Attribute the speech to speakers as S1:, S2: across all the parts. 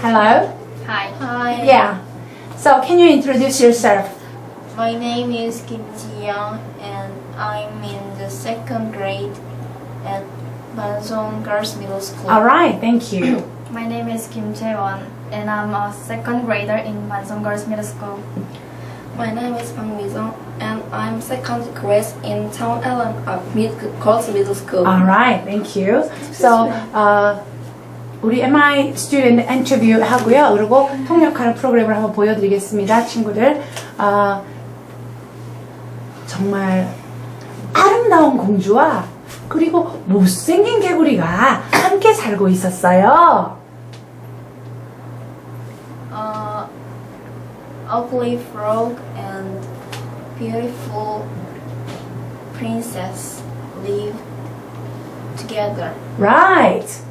S1: Hello?
S2: Hi. Hi.
S1: Yeah. So can you introduce yourself?
S2: My name is Kim Ji-young and I'm in the second grade at Bansong Girls Middle School.
S1: Alright, thank you.
S3: My name is Kim Jae-won and I'm a second grader in Bansong Girls Middle School.
S4: My name is Bang Mi-sung and I'm second grade in Town Allen Girls Middle School.
S1: Alright, thank you. So, 우리 MI student interview 하고요. 그리고 통역하는 프로그램을 한번 보여드리겠습니다, 친구들. 정말 아름다운 공주와 그리고 못생긴 개구리가 함께 살고 있었어요.
S2: Ugly frog and beautiful princess live together.
S1: Right.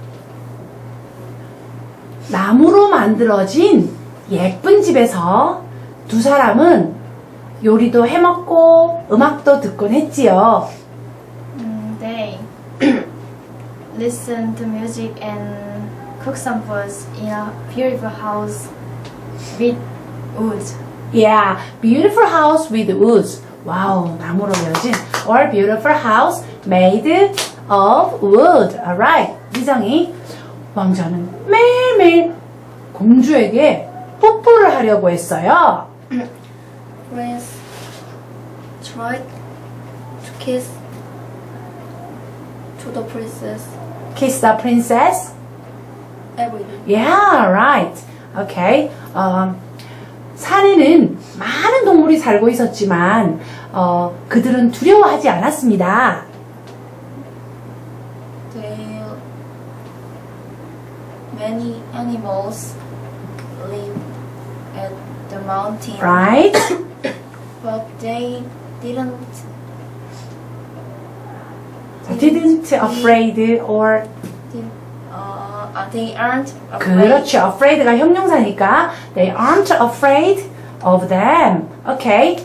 S1: 나무로 만들어진 예쁜 집에서 두 사람은 요리도 해먹고 음악도 듣곤 했지요.
S3: They listen to music and cook some foods in a beautiful house with wood.
S1: Yeah, beautiful house with woods. 와우, 나무로 되어진 or beautiful house made of wood. Alright, 미정이 왕자는 매일매일 공주에게 뽀뽀를 하려고 했어요.
S4: Prince tried to kiss to the princess
S1: Kiss the princess.
S4: every day.
S1: Yeah, right. Okay. 산에는 많은 동물이 살고 있었지만 그들은 두려워하지 않았습니다.
S2: Many animals live at the mountain,
S1: Right?
S2: but they didn't
S1: Didn't afraid or
S2: they aren't afraid.
S1: 그렇죠. Afraid가 형용사니까 they aren't afraid of them. Okay.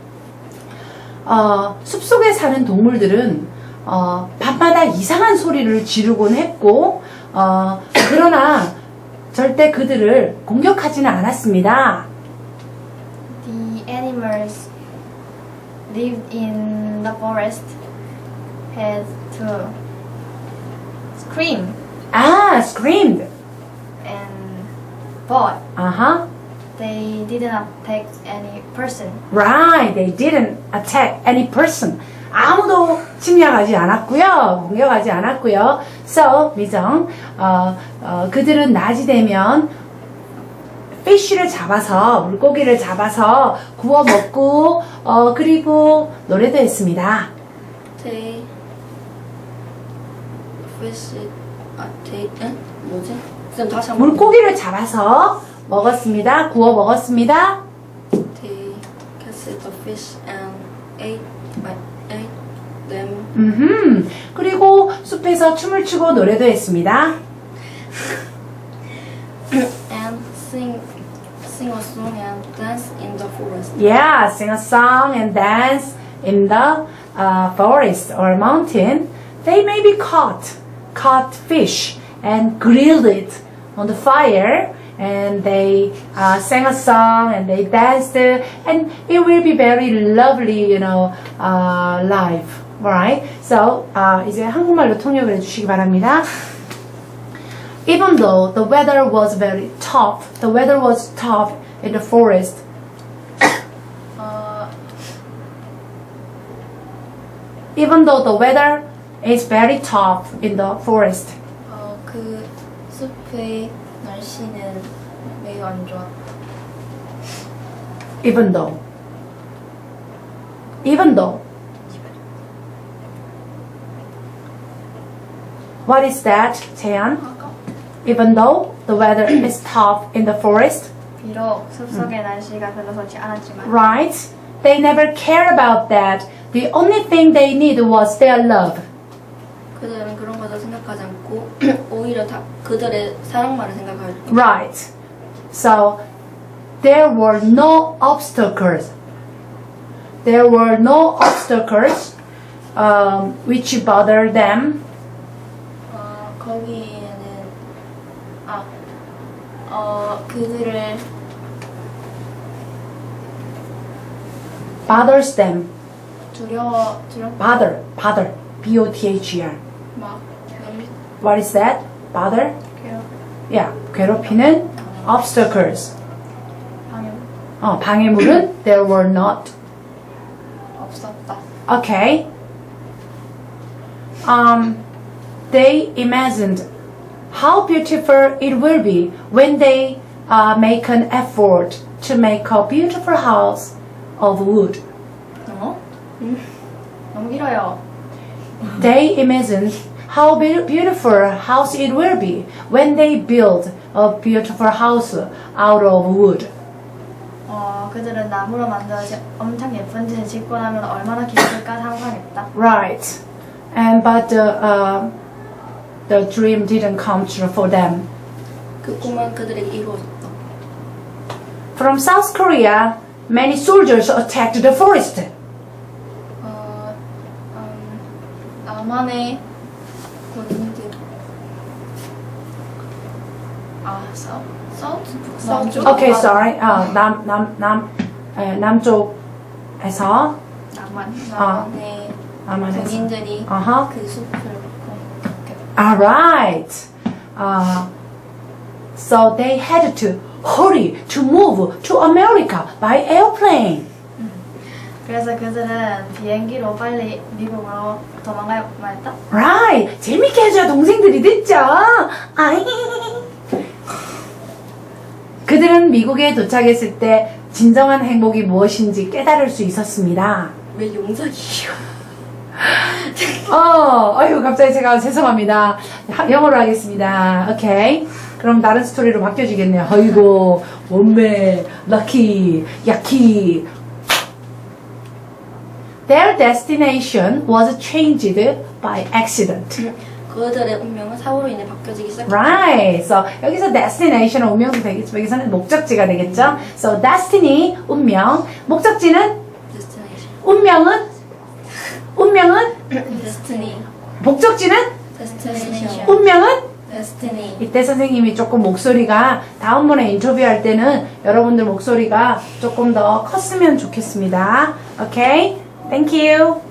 S1: 숲속에 사는 동물들은 밤마다 이상한 소리를 지르곤 했고 그러나 절대 그들을 공격하지는 않았습니다.
S3: The animals lived in the forest had to scream
S1: Screamed.
S3: and but
S1: Uh-huh.
S3: they didn't attack any person.
S1: Right. They didn't attack any person. 아무도 침략하지 않았고요. 공격하지 않았고요. So, 미정, 그들은 낮이 되면 fish를 잡아서, 물고기를 잡아서 구워 먹고, 그리고 노래도 했습니다.
S4: They fish 뭐지? 지금 다시 한번.
S1: 물고기를 잡아서 먹었습니다. 구워 먹었습니다.
S4: They catch the fish and ate them.
S1: 그리고 숲에서 춤을 추고 노래도 했습니다.
S4: And sing a song and dance in the forest.
S1: Yeah, sing a song and dance in the forest or mountain. They maybe caught fish and grilled it on the fire. And they sang a song and they danced, and it will be very lovely, life. Alright? So, 이제 한국말로 통역을 해주시기 바랍니다. Even though the weather was very tough, in the forest. Even though the weather is very tough in the forest.
S2: 그 숲의 날씨는 매우 안 좋아.
S1: Even though. What is that, 재현? Even though the weather is tough in the forest,
S3: 비록 숲속의 날씨가 별로 좋지 않았지만
S1: right? They never cared about that. The only thing they need was their love.
S4: 그들은 그런 것을 생각하지 않고 오히려 다 그들의 사랑만을 생각할 때.
S1: Right. So there were no obstacles. Which bothered them.
S2: 거기에는 그들을
S1: bothers them.
S2: 두려워
S1: bother. B-O-T-H-E-R.
S2: 막
S1: What is that? bother?
S2: 괴롭
S1: Yeah, 괴롭히는 obstacles.
S3: 방해.
S1: 방해물은 there were not.
S2: 없었다.
S1: Okay. They imagined how beautiful it will be when they make an effort to make a beautiful house of wood.
S3: 너무 길어요.
S1: They imagined how beautiful a house it will be when they build a beautiful house out of wood.
S3: 그들은 나무로 만들어진 엄청 예쁜 집을 짓고 나면 얼마나 기쁠까 상상했다.
S1: Right. But the dream didn't come true for them.
S4: 그 꿈은 그들에게 이루어졌다.
S1: From South Korea, many soldiers attacked the forest.
S2: 남한의 군인들 서쪽
S1: Okay, sorry. 남쪽에서
S2: 남한의 군인들이
S1: Uh-huh.
S2: 그 숲을 공격했다.
S1: Alright. So they had to hurry to move to America by airplane.
S3: 그래서 그들은 비행기로 빨리 미국으로 도망가야만 했다.
S1: Right. 재밌게 해줘야 동생들이 듣죠. 아이. 그들은 미국에 도착했을 때 진정한 행복이 무엇인지 깨달을 수 있었습니다.
S4: 왜 용작이에요?
S1: 아유, 갑자기 제가 죄송합니다. 영어로 하겠습니다. 오케이. 그럼 다른 스토리로 바뀌어지겠네요. 아이고, 원매, 럭키, 야키. Their destination was changed by accident.
S4: 그들의 운명은 사고로 인해 바뀌어지기 시작했다.
S1: Right. So 여기서 destination은 운명도 되겠죠. 여기서는 목적지가 되겠죠. So destiny, 운명. 목적지는
S4: Destination.
S1: 운명은
S4: Destiny.
S1: 목적지는
S4: Destination.
S1: 운명은
S2: Destiny.
S1: 이때 선생님이 조금 목소리가 다음번에 인터뷰할 때는 여러분들 목소리가 조금 더 컸으면 좋겠습니다. Okay? Thank you.